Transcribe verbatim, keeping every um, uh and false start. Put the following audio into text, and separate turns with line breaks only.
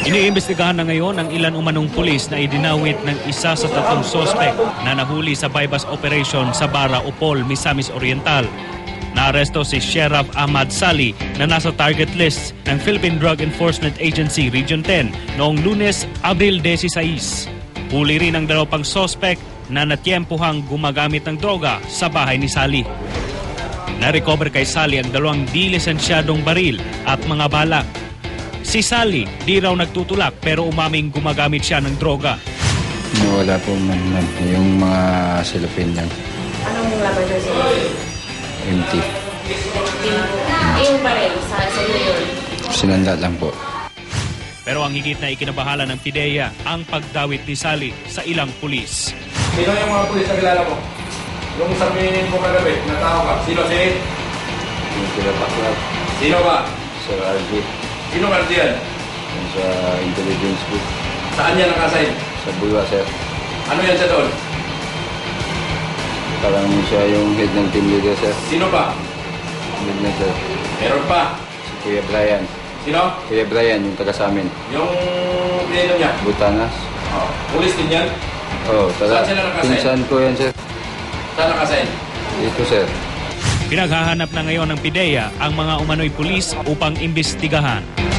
Iniimbestigahan na ngayon ang ilan umanong pulis na idinawit ng isa sa tatlong sospek na nahuli sa bypass operation sa Bara Upol, Misamis Oriental. Naaresto si Sheriff Ahmad Sali na nasa target list ng Philippine Drug Enforcement Agency Region ten noong Lunes, Abril desiseis. Huli rin ang dalawang pang sospek na natyempuhang gumagamit ng droga sa bahay ni Sali. Na-recover kay Sali ang dalawang di-lisensyadong baril at mga balak. Si Sali di raw nagtutulak pero umaming gumagamit siya ng droga.
Wala po man man yung mga silupin niyan.
Anong laban doon sila?
Empty.
Yung baril sa sa yun?
Sinanda lang po.
Pero ang higit na ikinabahala ng PIDEA ang pagdawit ni Sali sa ilang pulis.
Sino yung mga pulis na kilala mo? Yung sabihin mo kagabi, na tao ka. Sino si?
Yung sila Paklab.
Sino ba?
Sir R J.
Sino ba diyan?
Yung sa intelligence group.
Saan yan nakasign?
Sa Bulwa, sir.
Ano yan siya doon?
Parang siya yung head ng team leader, sir.
Sino ba?
Head na, sir.
Meron pa.
Si Kuya Brian.
Sino?
Kuya Brian, yung taga sa amin.
Yung pinito niya?
Butanas.
Oh. Pulis din yan?
Oo, oh, taga.
Saan sila nakasign?
Pinsan ko yan, sir.
Saan nakasign?
Dito, sir.
Pinaghahanap na ngayon ng PIDEA ang mga umano'y pulis upang imbestigahan.